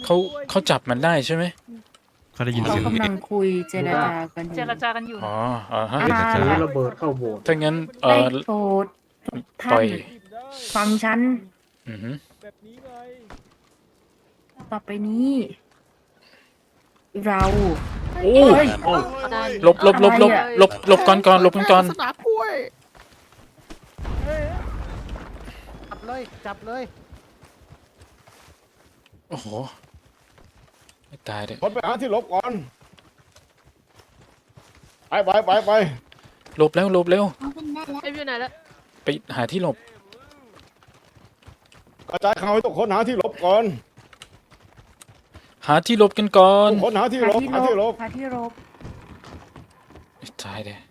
เขาจับมันได้ใช่ไหมเขาได้ยินเขาเสียงกำลังคุยเจรจากันอเจยู่รจากันอยู่อ๋อฮะอ่าระเบิดเข้าโบสถ์ถ้างั้นได้โปรดทุกปล่ท่าอน ยฟังฉันอือหือต่อไปนี้ เราโอ้เฮ้ยหลบก่อนหลบกันก่อนสนามกล้วยจับเลยจับเลยโอ้โหไม่ตายเลยคนไปหาที่หลบก่อนไปหลบเร็วเอ็มอยู่ไหนแล้วไปหาที่หลบกระจายข่าวให้ทุกคนหาที่หลบก่อนหาที่หลบกันก่อนทุกคนหาที่หลบหาที่รบไม่ตายเลย